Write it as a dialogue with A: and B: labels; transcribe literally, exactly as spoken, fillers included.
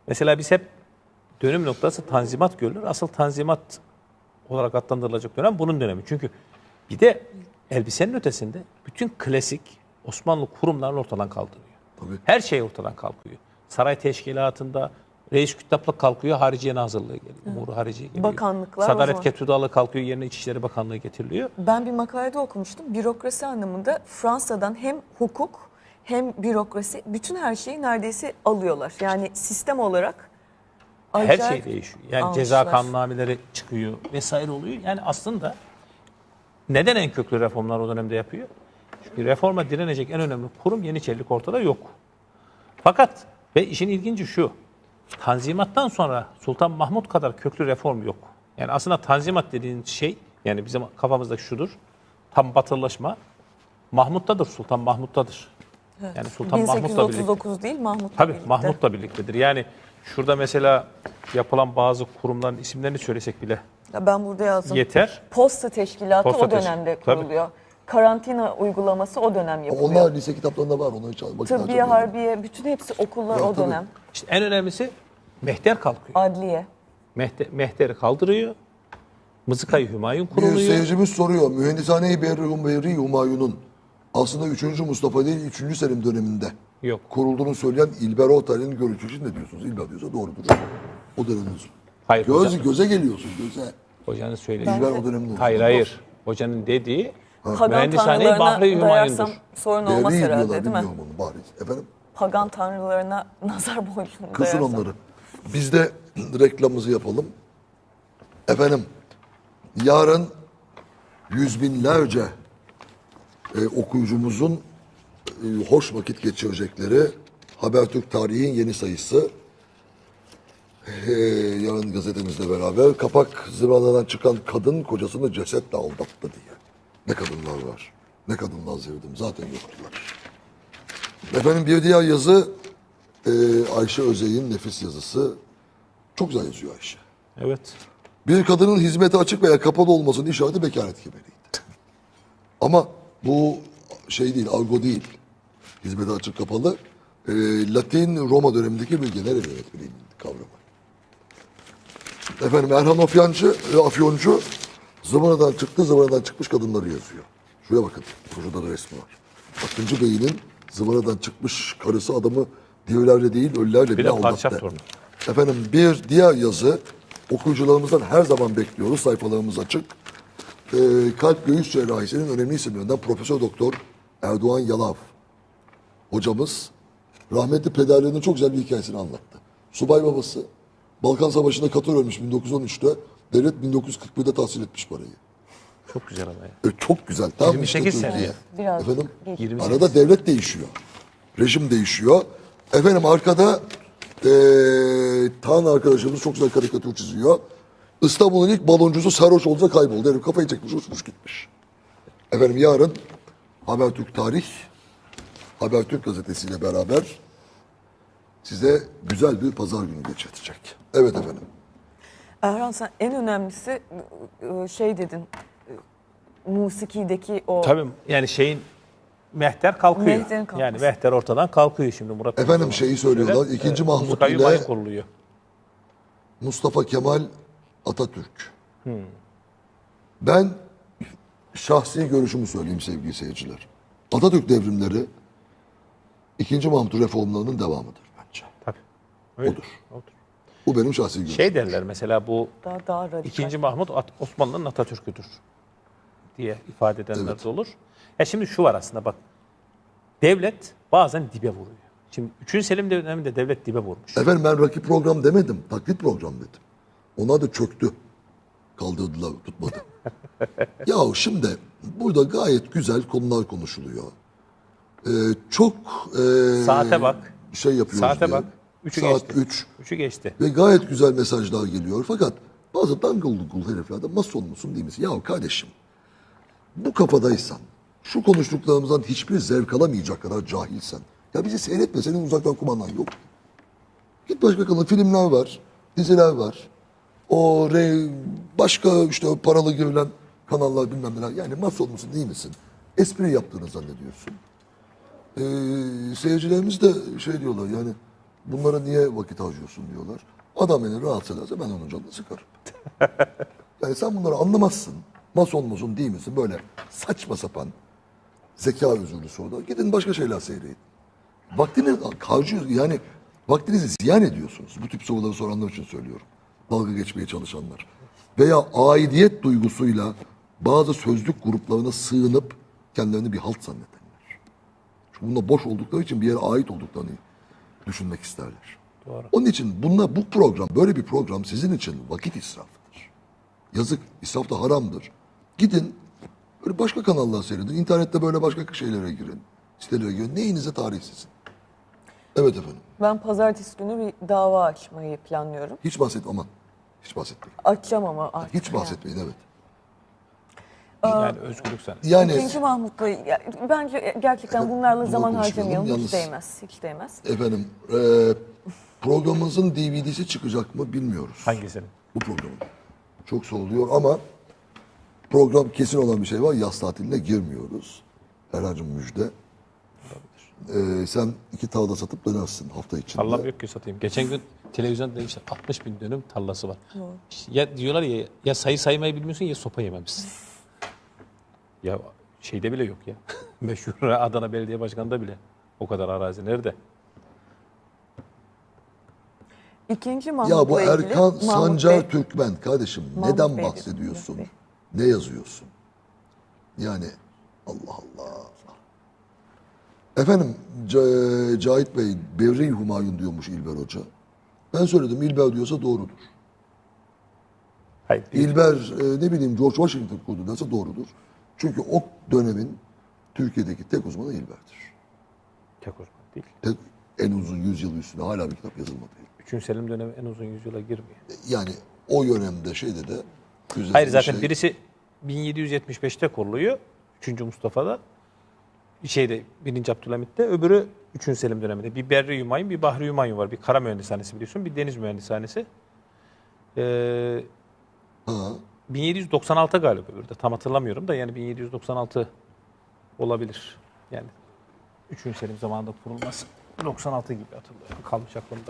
A: Mesela biz hep dönüm noktası Tanzimat görülür. Asıl Tanzimat olarak adlandırılacak dönem bunun dönemi. Çünkü bir de elbisenin ötesinde bütün klasik Osmanlı kurumlarını ortadan kaldırıyor.
B: Tabii.
A: Her şey ortadan kalkıyor. Saray teşkilatında reis kütaplık kalkıyor, Hariciye Nazırlığı geliyor. Umuru Hariciye geliyor.
C: Bakanlıklar
A: Sadaret
C: var.
A: Ketüdalı kalkıyor, yerine İçişleri Bakanlığı getiriliyor.
C: Ben bir makalede okumuştum. Bürokrasi anlamında Fransa'dan hem hukuk hem bürokrasi bütün her şeyi neredeyse alıyorlar. Yani sistem olarak
A: Her
C: acayip
A: şey değişiyor. Yani
C: almışlar.
A: ceza kanunnameleri çıkıyor vesaire oluyor. Yani aslında neden en köklü reformlar o dönemde yapıyor? Çünkü reforma direnecek en önemli kurum Yeniçerilik ortada yok. Fakat ve işin ilginci şu. Tanzimattan sonra Sultan Mahmut kadar köklü reform yok. Yani aslında Tanzimat dediğin şey, yani bizim kafamızdaki şudur. Tam batılılaşma Mahmut'tadır, Sultan Mahmut'tadır.
C: Evet.
A: Yani Sultan
C: bin sekiz yüz
A: Mahmut'la
C: otuz
A: birlikte.
C: dokuz değil Mahmut'la
A: Tabii
C: birlikte.
A: Mahmut'la birliktedir. Yani şurada mesela yapılan bazı kurumların isimlerini söylesek bile
C: Ya ben burada yazdım.
A: yeter.
C: Posta teşkilatı
A: Posta
C: o dönemde
A: teşk- tabii.
C: kuruluyor. Karantina uygulaması o dönem
B: Ama
C: yapılıyor.
B: onlar lise kitaplarında var. Onları hiç vakit
C: Tıbbiye,
B: harcamayalım.
C: harbiye bütün hepsi okullar
B: Ya
C: o
B: tabii.
C: dönem.
A: İşte en önemlisi mehter kalkıyor.
C: Adliye.
A: Mehter, mehteri kaldırıyor. Mızıkayı Hümayun
B: Bir
A: kuruluyor.
B: seyircimiz soruyor. Mühendishane-i Berri Berri Humayun'un aslında üçüncü Mustafa değil üçüncü Selim döneminde
A: Yok.
B: kurulduğunu söyleyen İlber Ortaylı'nın görüşü için ne diyorsunuz? İlber diyorsa doğrudur. O dönemin.
A: Hayır,
B: Göz,
A: hocam.
B: göze geliyorsun göze.
A: Hocanın söylediği.
B: İlber o dönemin.
A: Hayır hayır. Hocanın dediği
C: Pagan
A: mühendishane-i
C: tanrılarına
A: Bahri
C: dayarsam
A: Hümayun'dur.
C: sorun
B: Berri
C: olmaz
B: diyorlar
C: herhalde değil mi?
B: bilmiyorum onu bari. Efendim?
C: Pagan tanrılarına nazar boyunluğunu
B: Kısın
C: dayarsam.
B: onları. Biz de reklamımızı yapalım. Efendim, yarın yüz binlerce e, okuyucumuzun e, hoş vakit geçirecekleri Habertürk Tarihi'nin yeni sayısı. E, yarın gazetemizle beraber kapak zıvanadan çıkan kadın kocasını cesetle aldattı diye. Ne kadınlar var. Ne kadınlar sevdim. Zaten yoktular. Efendim bir diğer yazı e, Ayşe Özey'in nefis yazısı. Çok güzel yazıyor Ayşe.
A: Evet.
B: Bir kadının hizmete açık veya kapalı olmasının işareti bekaret kemeriydi. Ama bu şey değil, argo değil. Hizmete açık kapalı. E, Latin Roma dönemindeki bir genel ev yönetmeliğinin kavramı. Efendim Erhan Afyancı, e, Afyoncu zıvanadan çıktı, zıvanadan çıkmış kadınları yazıyor. Şuraya bakın, şurada da resmi var. Akıncı Bey'in zıvanadan çıkmış karısı adamı dirilerle değil ölülerle
A: Bir
B: bile
A: de padişah
B: aldattı.
A: torunu.
B: Efendim bir diğer yazı okuyucularımızdan her zaman bekliyoruz. Sayfalarımız açık. Ee, kalp göğüs cerrahisinin önemli isimlerinden Profesör Doktor Erdoğan Yalav hocamız rahmetli pederlerinin çok güzel bir hikayesini anlattı. Subay babası Balkan Savaşı'nda Katar ölmüş bin dokuz yüz on üçte. Devlet bin dokuz yüz kırk birde tahsil etmiş parayı.
A: Çok güzel ama ya.
B: E, çok güzel. Tam
A: yirmi sekiz
B: işte
A: sene.
B: Türkiye.
C: Biraz
B: Efendim?
C: geç.
A: yirmi sekiz.
B: Arada devlet değişiyor. Rejim değişiyor. Efendim arkada eee Tan arkadaşımız çok güzel karikatür çiziyor. İstanbul'un ilk baloncusu sarhoş olunca kayboldu. Herif kafayı çekmiş, uçmuş gitmiş. Efendim yarın Habertürk Tarih, Habertürk gazetesiyle beraber size güzel bir pazar günü geçirtecek. Evet efendim.
C: Erhan sen en önemlisi ıı, şey dedin ıı, musikideki o
A: Tabii yani şeyin mehter kalkıyor.
C: Mehterin kalkması.
A: Yani mehter ortadan kalkıyor şimdi Murat.
B: Efendim
A: Bey.
B: şeyi söylüyorlar.
A: Şöyle,
B: İkinci
A: e,
B: Mahmut
A: Mızıkayı
B: ile
A: Hümayun kuruluyor.
B: Mustafa Kemal Atatürk. Ben şahsi görüşümü söyleyeyim sevgili seyirciler. Atatürk devrimleri ikinci Mahmut reformlarının devamıdır bence.
A: Tabii. Öyle.
B: Odur.
A: Odur.
B: Bu benim şahsi görüşüm.
A: Şey derler mesela bu
C: daha daha radikal.
A: İkinci Mahmut At- Osmanlı'nın Atatürk'üdür diye ifade edenler
B: Evet.
A: de olur. Ya şimdi şu var aslında bak. Devlet bazen dibe vuruyor. Şimdi üçüncü Selim döneminde devlet dibe vurmuş.
B: Efendim ben rakip program demedim. Taklit program dedim. Onlar da çöktü. Kaldırdılar, tutmadı. Ya şimdi burada gayet güzel konular konuşuluyor. Ee, çok e,
A: Saate bak.
B: şey yapıyoruz
A: Saate
B: diye.
A: bak. Üçü
B: Saat
A: geçti.
B: üç.
A: Üçü geçti.
B: Ve gayet güzel mesajlar geliyor. Fakat bazı dangıl dungul heriflerden mason musun değil misin? Ya kardeşim bu kafadaysan, şu konuştuklarımızdan hiçbir zevk alamayacak kadar cahilsen, ya bizi seyretme, senin uzaktan kumandan yok. Git başka kanal, filmler var, diziler var. O re, başka işte paralı görülen kanallar bilmem neler. Yani mason musun değil misin? Espri yaptığını zannediyorsun. Ee, seyircilerimiz de şey diyorlar yani Bunlara niye vakit harcıyorsun diyorlar. Adam beni rahatsız ederse ben onun canını sıkarım. Yani sen bunları anlamazsın. Mason mason değil misin? Böyle saçma sapan zeka özürlüsü orada. Gidin başka şeyler seyredin. Vaktini harcıyor yani vaktinizi ziyan ediyorsunuz. Bu tip soruları soranlar için söylüyorum. Dalga geçmeye çalışanlar. Veya aidiyet duygusuyla bazı sözlük gruplarına sığınıp kendilerini bir halt zannedenler. Çünkü bunlar boş oldukları için bir yere ait olduklarını düşünmek isterler.
A: Doğru.
B: Onun için bunlar, bu program, böyle bir program sizin için vakit israfıdır. Yazık, israf da haramdır. Gidin, böyle başka kanallar seyredin. İnternette böyle başka şeylere girin. Sitelere girin. Neyinize tarih sizin. Evet efendim.
C: Ben pazartesi günü bir dava açmayı planlıyorum.
B: Hiç bahsetme aman. Hiç bahsetmeyin.
C: Açacağım ama artık.
B: Hiç bahsetmeyin evet.
A: Yani özgürlük sen.
B: Yani
C: İkinci Mahmut'la ya, bence gerçekten bunlarla
B: Bunu
C: zaman
B: konuşmayalım.
C: harcamayalım.
B: Yalnız-
C: Hiç değmez. Hiç değmez.
B: efendim e, programımızın D V D'si çıkacak mı bilmiyoruz.
A: Hangisini?
B: Bu programın. Çok soruluyor ama program kesin olan bir şey var. Yaz tatiline girmiyoruz. Herhalde müjde. Ee, sen iki tavla satıp dönersin hafta içinde.
A: Tarlam yok ki satayım. Geçen gün televizyonda demişler altmış bin dönüm tarlası var. Ya diyorlar ya ya sayı saymayı bilmiyorsun ya sopa yememişsin. Ya şeyde bile yok ya. Meşhur Adana Belediye Başkanı'nda bile o kadar arazi nerede?
C: İkinci Mahmut'la
B: Ya bu
C: ilgili
B: Erkan
C: Mahmut
B: Sancar
C: Bey-
B: Türkmen kardeşim
C: Mahmut
B: neden
C: Bey diyorum,
B: bahsediyorsun?
C: Mahmut
B: Ne yazıyorsun? Yani Allah Allah. Efendim C- Cahit Bey Bevri Humayun diyormuş İlber Hoca. Ben söyledim İlber diyorsa doğrudur.
A: Hayır. değil.
B: İlber e, ne bileyim George Washington kurdu derse doğrudur. Çünkü o dönemin Türkiye'deki tek uzmanı İlber'dir.
A: Tek uzman değil.
B: Tek, en uzun yüzyıl üstünde hala bir kitap yazılmadı.
A: Üçüncü Selim dönemi en uzun yüzyıla girmiyor.
B: Yani o dönemde şeyde de güzel
A: Hayır
B: bir
A: zaten
B: şey-
A: birisi bin yedi yüz yetmiş beşte kuruluyor. üçüncü Mustafa'da. Şeyde birinci Abdülhamit'te. Öbürü üçüncü Selim döneminde. Bir Berri Hümayun, bir Bahri Hümayun var. Bir kara mühendishanesi biliyorsun. Bir deniz mühendishanesi. Ee,
B: Ha.
A: bin yedi yüz doksan altı galiba öbürü de. Tam hatırlamıyorum da yani bin yedi yüz doksan altı olabilir. Yani üçüncü Selim zamanında kurulması. doksan altı gibi hatırlıyorum. Kalmış aklımda.